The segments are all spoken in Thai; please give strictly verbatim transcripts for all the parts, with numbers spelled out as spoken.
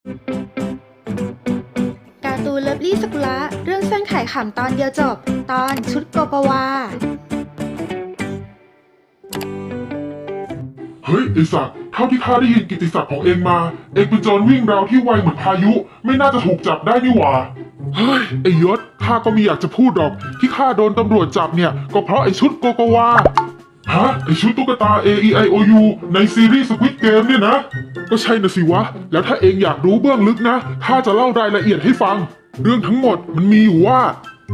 การ์ตูนเลิฟลี่สกุละเรื่องสั้นขายขำตอนเดียวจบ ตอนชุดโกโกวาเฮ้ยไอสัตว์เท่าที่ข้าได้ยินกิตติศัพท์ของเองมา เองเป็นโจรวิ่งราวที่ไวเหมือนพายุ ไม่น่าจะถูกจับได้นี่หว่าเฮ้ยไอยศข้าก็ไม่อยากจะพูดหรอกที่ข้าโดนตำรวจจับเนี่ยก็เพราะไอชุดโกโกวาฮะไอชุดตุ๊กตา A E I O U ในซีรีส์ Squid Game เนี่ยนะก็ใช่นะสิวะแล้วถ้าเองอยากรู้เบื้องลึกนะข้าจะเล่ารายละเอียดให้ฟังเรื่องทั้งหมดมันมีอยู่ว่า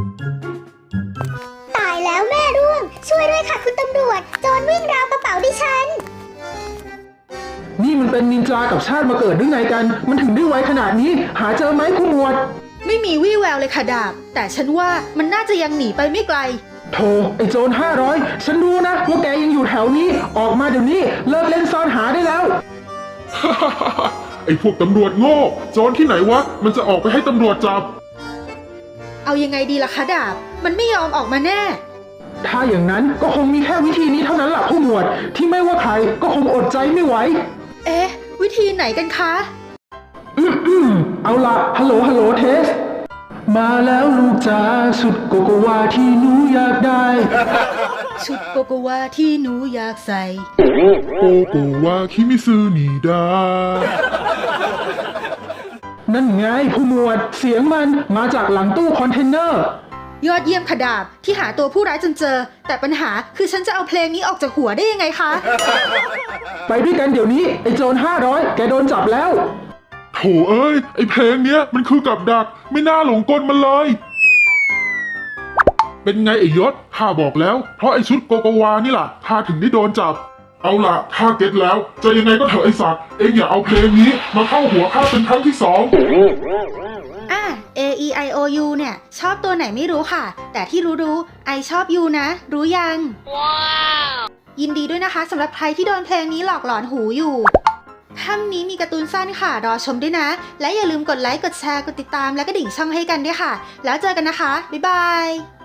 ตายแล้วแม่ร่วงช่วยด้วยค่ะคุณตำรวจโจรวิ่งราวกระเป๋าดิฉันนี่มันเป็นนินจากับชาติมาเกิดหรือไงกัน มันถึงได้ไวขนาดนี้ หาเจอไหมผู้หมวดไม่มีวี่แววเลยค่ะดาบ แต่ฉันว่ามันน่าจะยังหนีไปไม่ไกลโธ่ไอ้โจรห้าร้อยฉันรู้นะว่าแกยังอยู่แถวนี้ ออกมาเดี๋ยวนี้เลิกเล่นซ่อนหาได้แล้วไอพวกตำรวจโง่โจรที่ไหนวะมันจะออกไปให้ตำรวจจับเอายังไงดีล่ะคะดาบ มันไม่ยอมออกมาแน่ถ้าอย่างนั้นก็คงมีแค่วิธีนี้เท่านั้นแหละผู้หมวด ที่ไม่ว่าใครก็คงอดใจไม่ไหวเอ๊ะ วิธีไหนกันคะอืมอืมเอาล่ะฮัลโหลฮัลโหลเทส มาแล้วลูกจ๋าสุดโกโกวาที่หนูอยากได้ชุดโกโกวาที่หนูอยากใส่โกโกวาคิมิซึนิดานั่นไงผู้หมวดเสียงมันมาจากหลังตู้คอนเทนเนอร์ยอดเยี่ยมค่ะดาบที่หาตัวผู้ร้ายจนเจอ แต่ปัญหาคือฉันจะเอาเพลงนี้ออกจากหัวได้ยังไงคะไปด้วยกันเดี๋ยวนี้ไอ้โจรห้าร้อยแกโดนจับแล้วโถเอ้ยไอเพลงเนี้ยมันคือกับดักไม่น่าหลงกลมันเลย เป็นไงไอยศข้าบอกแล้วเพราะไอชุดโกโกวานี่ล่ะข้าถึงได้โดนจับ เอาล่ะข้าเก็ตแล้วจะยังไงก็เถอะไอสัตว์เองอย่าเอาเพลงนี้มาเข้าหัวข้าเป็นครั้งที่สองอ่ะ A E I O U เนี่ยชอบตัวไหนไม่รู้ค่ะ แต่ที่รู้ๆไอชอบ U นะ รู้ยัง ว้าว ยินดีด้วยนะคะสำหรับใครที่โดนเพลงนี้หลอกหลอนหูอยู่ค่ำนี้มีการ์ตูนสั้นค่ะ รอชมด้วยนะ และอย่าลืมกดไลค์ กดแชร์ กดติดตามและกระดิ่งช่องให้กันด้วยค่ะ แล้วเจอกันนะคะ บ๊ายบาย